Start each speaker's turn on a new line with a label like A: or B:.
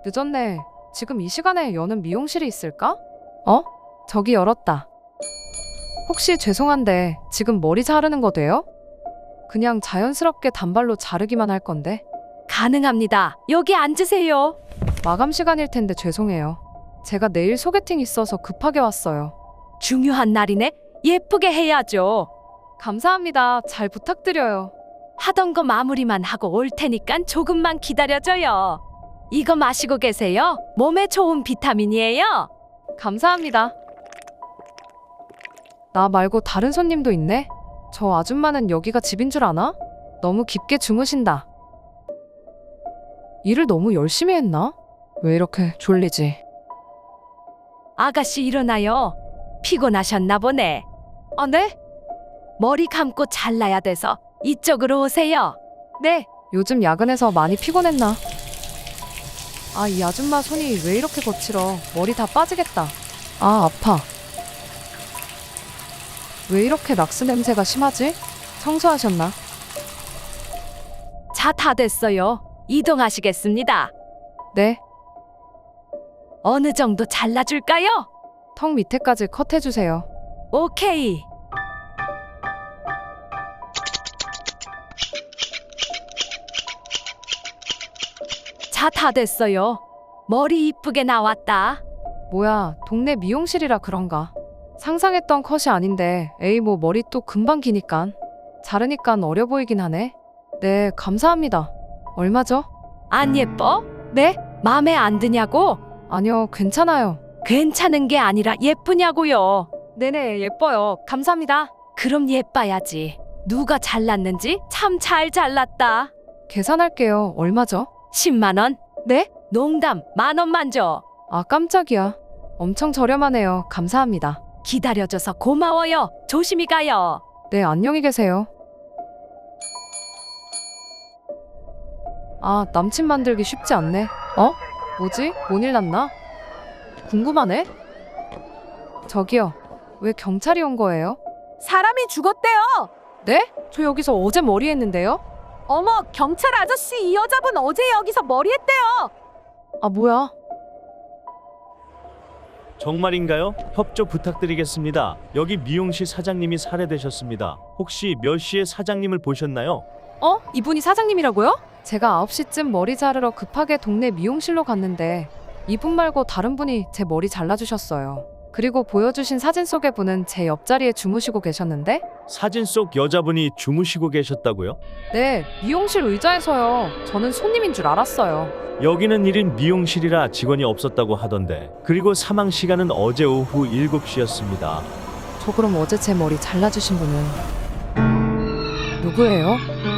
A: 늦었네. 지금 이 시간에 여는 미용실이 있을까? 저기 열었다. 혹시 죄송한데 지금 머리 자르는 거 돼요? 그냥 자연스럽게 단발로 자르기만 할 건데.
B: 가능합니다. 여기 앉으세요.
A: 마감 시간일 텐데 죄송해요. 제가 내일 소개팅 있어서 급하게 왔어요.
B: 중요한 날이네. 예쁘게 해야죠.
A: 감사합니다. 잘 부탁드려요.
B: 하던 거 마무리만 하고 올 테니까 조금만 기다려줘요. 이거 마시고 계세요. 몸에 좋은 비타민이에요.
A: 감사합니다. 나 말고 다른 손님도 있네? 저 아줌마는 여기가 집인 줄 아나? 너무 깊게 주무신다. 일을 너무 열심히 했나? 왜 이렇게 졸리지?
B: 아가씨 일어나요. 피곤하셨나 보네.
A: 아, 네?
B: 머리 감고 잘라야 돼서 이쪽으로 오세요.
A: 네. 요즘 야근해서 많이 피곤했나? 아, 이 아줌마 손이 왜 이렇게 거칠어? 머리 다 빠지겠다. 아, 아파. 왜 이렇게 락스 냄새가 심하지? 청소하셨나?
B: 자, 다 됐어요. 이동하시겠습니다.
A: 네.
B: 어느 정도 잘라줄까요?
A: 턱 밑에까지 컷해주세요.
B: 오케이. 자, 다 됐어요. 머리 이쁘게 나왔다.
A: 뭐야, 동네 미용실이라 그런가? 상상했던 컷이 아닌데, 에이 뭐 머리 또 금방 기니깐. 자르니깐 어려 보이긴 하네. 네, 감사합니다. 얼마죠?
B: 안 예뻐?
A: 네?
B: 마음에 안 드냐고?
A: 아니요, 괜찮아요.
B: 괜찮은 게 아니라 예쁘냐고요.
A: 네네, 예뻐요. 감사합니다.
B: 그럼 예뻐야지. 누가 잘랐는지 참 잘 잘랐다.
A: 계산할게요. 얼마죠?
B: 10만 원?
A: 네?
B: 농담, 10,000원만 줘.
A: 아, 깜짝이야. 엄청 저렴하네요. 감사합니다.
B: 기다려줘서 고마워요. 조심히 가요.
A: 네, 안녕히 계세요. 아, 남친 만들기 쉽지 않네. 뭐지? 뭔 일 났나? 궁금하네? 저기요. 왜 경찰이 온 거예요?
C: 사람이 죽었대요.
A: 네? 저 여기서 어제 머리 했는데요?
C: 어머, 경찰 아저씨, 이 여자분 어제 여기서 머리 했대요.
A: 아, 뭐야?
D: 정말인가요? 협조 부탁드리겠습니다. 여기 미용실 사장님이 살해되셨습니다. 혹시 몇 시에 사장님을 보셨나요?
A: 이분이 사장님이라고요? 제가 9시쯤 머리 자르러 급하게 동네 미용실로 갔는데 이분 말고 다른 분이 제 머리 잘라주셨어요. 그리고 보여주신 사진 속의 분은 제 옆자리에 주무시고 계셨는데?
D: 사진 속 여자분이 주무시고 계셨다고요?
A: 네, 미용실 의자에서요. 저는 손님인 줄 알았어요.
D: 여기는 1인 미용실이라 직원이 없었다고 하던데, 그리고 사망 시간은 어제 오후 7시였습니다.
A: 저 그럼 어제 제 머리 잘라주신 분은 누구예요?